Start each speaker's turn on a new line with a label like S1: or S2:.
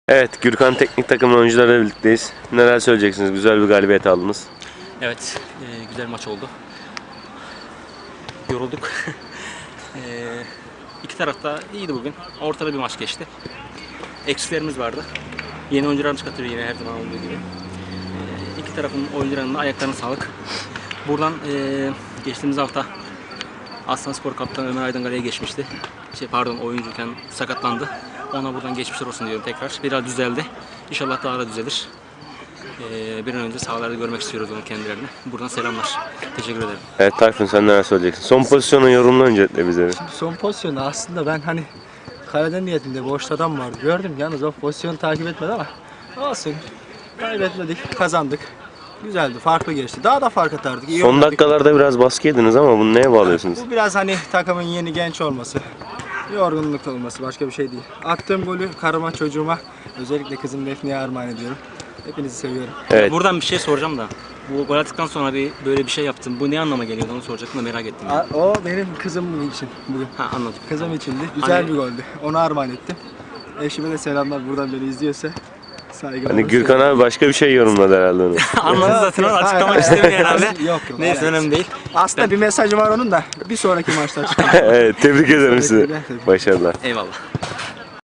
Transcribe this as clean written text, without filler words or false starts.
S1: Evet, Gürkan Teknik Takım'ın oyuncularıyla birlikteyiz. Neler söyleyeceksiniz? Güzel bir galibiyet aldınız.
S2: Evet, güzel maç oldu. Yorulduk. İki taraf da iyiydi bugün. Ortada bir maç geçti. Eksilerimiz vardı. Yeni oyuncularımız katılıyor yine her zaman olduğu gibi. İki tarafın oyuncularının da ayaklarına sağlık. Buradan geçtiğimiz hafta Aslanspor kaptanı Ömer Aydıngare'ye geçmişti. Oyuncuyken sakatlandı. Ona buradan geçmişler olsun diyorum tekrar. Biraz düzeldi. İnşallah daha da düzelir. Bir an önce sahalarda görmek istiyoruz onu kendilerini. Buradan selamlar. Teşekkür ederim.
S1: Evet Tayfun, sen neler söyleyeceksin? Son pozisyonu yorumla öncelikle bize.
S3: Son pozisyonu aslında ben kaleden niyetinde boşta adam vardı. Gördüm yalnız o pozisyonu takip etmedi ama olsun. Kaybetmedik, kazandık. Güzeldi, farklı geçti. Daha da fark atardık. İyi
S1: Son
S3: oynadık.
S1: dakikalarda biraz baskı yediniz ama bunu neye bağlıyorsunuz?
S3: Bu biraz takımın yeni genç olması, yorgunluk olması, başka bir şey değil. Attığım golü karıma, çocuğuma, özellikle kızım Defne'ye armağan ediyorum. Hepinizi seviyorum.
S1: Evet.
S2: Buradan bir şey soracağım da. Bu gol attıktan sonra böyle bir şey yaptım. Bu ne anlama geliyordu onu soracaktım da merak ettim. Yani.
S3: O benim kızım için bugün.
S2: Ha, anladım.
S3: Kızım içindi. Güzel
S2: Hani-
S3: bir goldü. Ona armağan ettim. Eşime de selamlar, buradan beni izliyorsa. Saygılar.
S1: Hani Gürkan abi başka bir şey yorumladı herhalde onu.
S2: Anladın zaten onu açıklamak istemiyor herhalde.
S3: Yok.
S2: Neyse önemli değil.
S3: Aslında bir mesajı var onun da bir sonraki maçta çıkıyor.
S1: Evet, tebrik ederim sizi. Başarılar.
S2: Eyvallah.